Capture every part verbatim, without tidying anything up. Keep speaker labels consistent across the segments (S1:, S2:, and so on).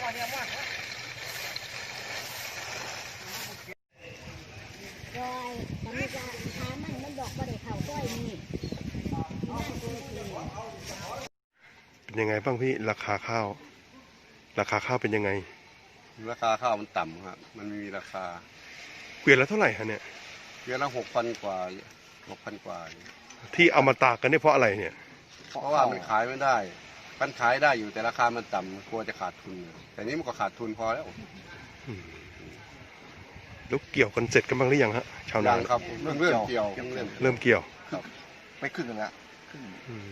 S1: รอยมันมีการค้ามันมันบอกว่าได้เข่าก้อยนี่
S2: เป็นยังไงบ้างพี่ราคาข้าว ราคาข้าวเป็นยังไง
S3: ราคาข้าวมันต่ำครับมันไม่มีราคา
S2: เกวียนละเท่าไหร่ฮะเนี่ย
S3: เกวียนละหกพันกว่าหกพันกว่า
S2: ที่เอามาตากกันเนี่ยเพราะอะไรเนี่ย
S3: เพราะว่ามันขายไม่ได้มันขายได้อยู่แต่ราคามันต่ำกลัวจะขาดทุนแต่นี้มันก็ขาดทุนพอแล้ว
S2: แล้วเกี่ยวกันเสร็จกันบ้างหรือยังฮะชาวนา
S3: ครับเริ่มเริ่มเกี่ยว
S2: เริ่มเกี่ยว
S3: ครับไปครึ่งแล้วครึ่ง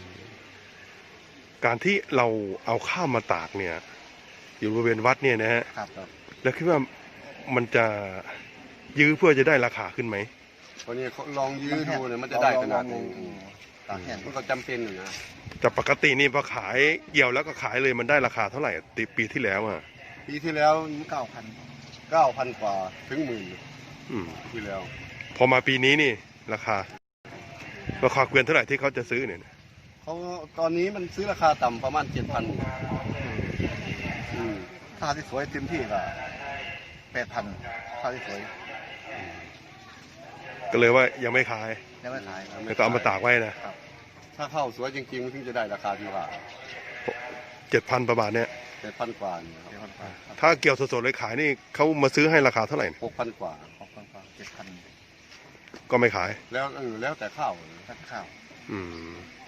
S2: การที่เราเอาข้าวมาตากเนี่ยอยู่บริเวณวัดเนี่ยนะฮะแล้วคิดว่ามันจะยื้อเพื่อจะได้ราคาขึ้นไหม
S3: วันนี้เขาลองยื้อดูเนี่ยมันจะได้ขนาดไหนตากแห้งมันก็จำเป็นอยู่นะ
S2: แต่ปกตินี่พอขายเกี่ยวแล้วก็ขายเลยมันได้ราคาเท่าไหร่ปีที่แล้วอ่ะ
S3: ปีที่แล้วเก้าพันเก้าพันกว่าถึงหมื่นที่แล้ว
S2: พอมาปีนี้นี่ราคาราคาเกวียนเท่าไหร่ที่เขาจะซื้อเนี่ย
S3: เขาตอนนี้มันซื้อราคาต่ำประมาณเจ็ดพันถ้าที่สวยเต็มที่ก็แปดพันถ้าที่สวย
S2: ก็เลยว่ายังไม่ขาย
S3: ยังไม่ขาย
S2: แล้วก็เอามาตากไว้นะ
S3: ถ้าเข้าสวยจริงๆถึงจะได้ราคาที่ว่า
S2: เจ็ดพันประมาณเนี้ย
S3: เจ็ดพันกว่า
S2: ถ้าเกี่ยวสดๆเลยขายนี่เขามาซื้อให้ราคาเท่าไหร่
S3: หกพันกว่าหกพันกว่าเจ็ดพัน
S2: ก็ไม่ขาย
S3: แล้วเออแล้วแต่ข้าวแล้วแต่ข้าว
S2: อืม